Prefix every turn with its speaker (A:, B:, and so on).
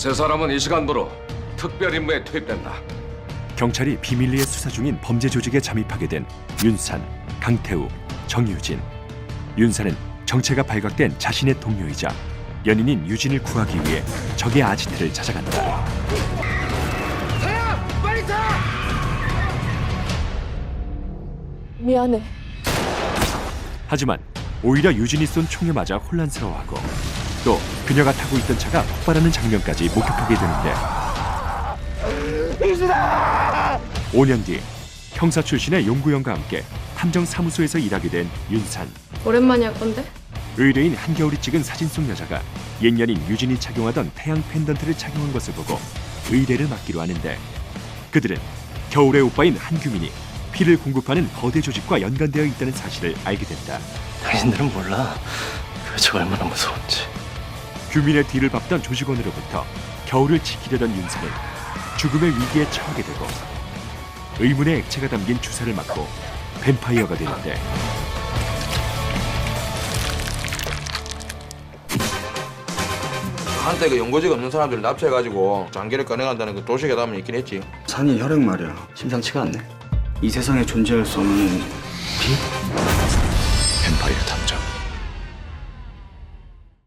A: 세 사람은 이 시간부로 특별 임무에 투입된다.
B: 경찰이 비밀리에 수사 중인 범죄 조직에 잠입하게 된 윤산, 강태우, 정유진. 윤산은 정체가 발각된 자신의 동료이자 연인인 유진을 구하기 위해 적의 아지트를 찾아간다.
C: 미안해.
B: 하지만 오히려 유진이 쏜 총에 맞아 혼란스러워하고 또 그녀가 타고 있던 차가 폭발하는 장면까지 목격하게 되는데 5년 뒤 형사 출신의 용구형과 함께 탐정사무소에서 일하게 된 윤산.
C: 오랜만에 할 건데?
B: 의뢰인 한겨울이 찍은 사진 속 여자가 옛 연인 유진이 착용하던 태양 펜던트를 착용한 것을 보고 의뢰를 맡기로 하는데 그들은 겨울의 오빠인 한규민이 피를 공급하는 거대 조직과 연관되어 있다는 사실을 알게 된다.
D: 당신들은 몰라. 그저 얼마나 무서운지.
B: 규민의 뒤를 밟던 조직원으로부터 겨울을 지키려던 윤산은 죽음의 위기에 처하게 되고 의문의 액체가 담긴 주사를 맞고 뱀파이어가 되는데
E: 한때 그 연고지가 없는 사람들 납치해가지고 장기를 꺼내간다는 그 도시계담은 있긴 했지.
F: 산이 혈액 말이야.
D: 심상치가 않네.
F: 이 세상에 존재할 수 없는 비?